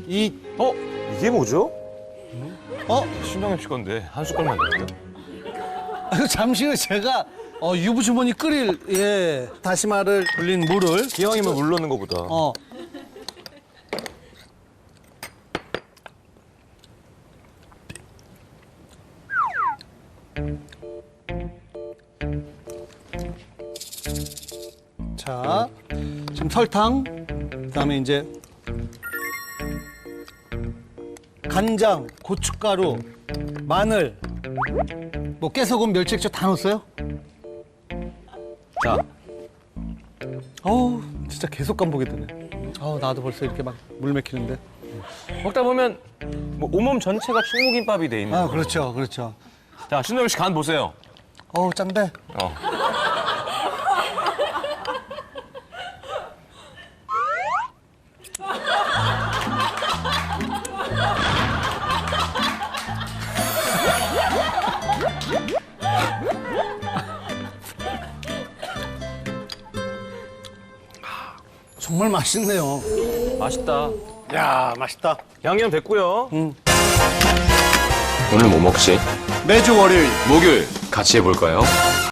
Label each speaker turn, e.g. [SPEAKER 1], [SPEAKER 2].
[SPEAKER 1] 이게 뭐죠?
[SPEAKER 2] 신동엽 씨 건데 한 숟갈만 넣을게요.
[SPEAKER 3] 잠시 후에 제가 유부주머니 끓일 다시마를 불린 물을
[SPEAKER 1] 기왕이면 물 넣는 거보다.
[SPEAKER 3] 자, 지금 설탕, 그다음에 이제 간장, 고춧가루, 마늘, 뭐 깨소금, 멸치액젓 다 넣었어요?
[SPEAKER 1] 자,
[SPEAKER 3] 어우, 진짜 계속 간보게 되네. 나도 벌써 이렇게 막 물 맥히는데.
[SPEAKER 2] 먹다 보면 뭐 온몸 전체가 충무김밥이 돼 있는.
[SPEAKER 3] 그렇죠, 그렇죠.
[SPEAKER 2] 자, 신동엽 씨 간 보세요.
[SPEAKER 3] 짠데. 정말 맛있네요.
[SPEAKER 2] 맛있다.
[SPEAKER 3] 야, 맛있다.
[SPEAKER 2] 양념 됐고요.
[SPEAKER 4] 오늘 뭐 먹지?
[SPEAKER 3] 매주 월요일.
[SPEAKER 4] 목요일 같이 해볼까요?